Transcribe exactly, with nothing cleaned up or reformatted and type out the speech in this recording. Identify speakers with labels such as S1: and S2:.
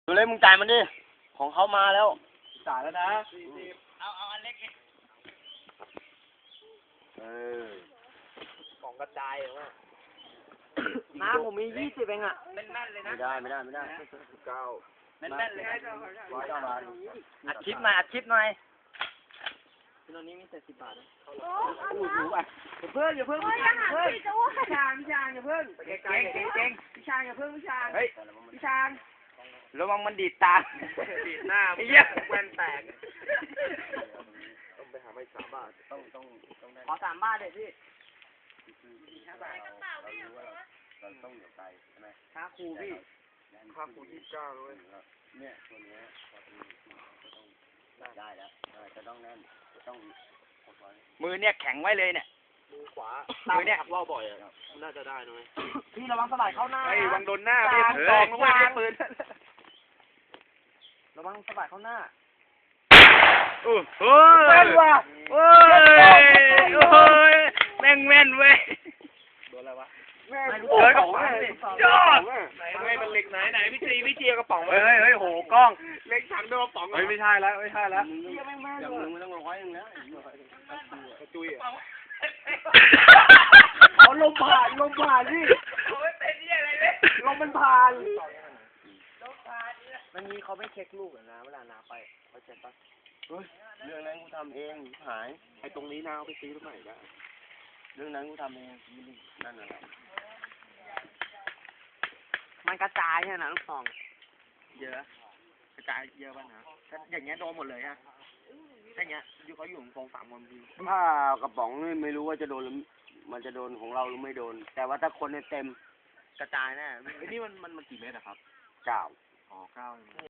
S1: ดูเลยมึงจ่ายมันดิ ของเขามาแล้ว
S2: จ่ายแล้วนะ
S3: เอาเอาอันเล็กนี่
S1: เออ
S2: ของกระจายเหรอวะ
S1: น้าผมมียี่สิบเองอ่ะ
S3: แน่นๆเลยนะ
S1: ไม่ได้ไม่ได้ไม่ได้
S2: เก้า
S3: แน่นๆเลยนะ
S1: ร้อยเก้าบาท
S3: อัดคลิปหน่อยอัดคลิปหน่อย
S2: ตอนนี้มีแต่สิบบาทนะ
S4: โอ้ย
S2: เพิ่งอย่าเพิ่ง
S4: โอ้ยอาหารพี่จะว่า
S2: พี่ชางพี่ชางอย่าเพิ่งไปไกลๆ
S3: เก่งเก่ง
S2: พี่ชางอย่าเพิ่งพี่ชาง
S3: เฮ้ย
S2: พี่ชาง
S3: ระวังมันดีดตา
S2: ดีดหน้า
S3: ไอ้เหี้ย
S2: แว่นแตกต้องไปหาไม่สามบาท
S1: ต้องต้องต้องได้
S3: ขอสามบาทเลยพี่
S1: เราต้องอยู่ไกลใช่ไหม
S3: ค่าครูพี่
S2: ค่าครูยี่สิบเก้าเลย
S1: เนี่ยตัวเนี้ยจะต้องได้แล้วจะต้องแน่นจะต้องกดไว้
S3: มือเนี่ยแข็งไว้เลยเนี่ย
S2: มือขวา
S3: มือเนี่ย
S2: ว่าวบ่อยอ่ะน่าจะได้นะเว้ย
S3: พี่ระวังสไลด์เข้าหน้า
S2: ไอ้วังโดนหน้าพี่
S3: จาง
S2: ตองนะเว้ย
S3: จาง
S2: ปืน
S3: ระวังสไลด์เข้าหน้า
S2: โอ้โห
S3: แม่นว่ะ
S2: โอ้ยโอ้ยแม่งแม่นเว้ยโดนอะไรวะ
S3: แม่ง
S2: เจอกระป๋องเลยยอดไหนไม่มันเหล็กไหนไหนพี่จีพี่จีกระป๋องเฮ้ยเฮ้ยโหกล้องเล็กถังโดนกระป๋องเฮ้ยไม่ใช่แล้วไม่ใช่แล้ว
S1: อย่างมึงไม่ต้องร้อยหนึ่งแล้ว
S2: จุย
S3: เอาลมผ่านลมผ่านพี่
S2: ลมมันผ่าน
S3: มันมีเขาไม่เช็คลูกเหรอนะเวลานาไปเขาเช็คปะ
S1: เฮ้ยเรื่องนั้นกูทำเองหาย
S2: ไอ้ตรงนี้นาเอาไปซื้อใหม่ได้
S1: เรื่องนั้นกูทำเองนั่นแหละ
S3: มันกระจายใช่ไหมลูกซองเยอะกระจายเยอะป่ะนะถ้าอย่างเงี้ยโดนหมดเลยฮะถ้าอย่างเงี้ยอยู่เขาอยู่ตรงสามคนพี่
S1: ถ้ากระป๋องนี่ไม่รู้ว่าจะโดนหรือมันจะโดนของเราหรือไม่โดน แต่ว่าถ้าคนเนี่ยเต็ม
S3: กระจายแน่
S2: ไอ้นี่มันมันมันกี่เมตรอะครับ
S1: เก้า
S2: อ๋อเก้า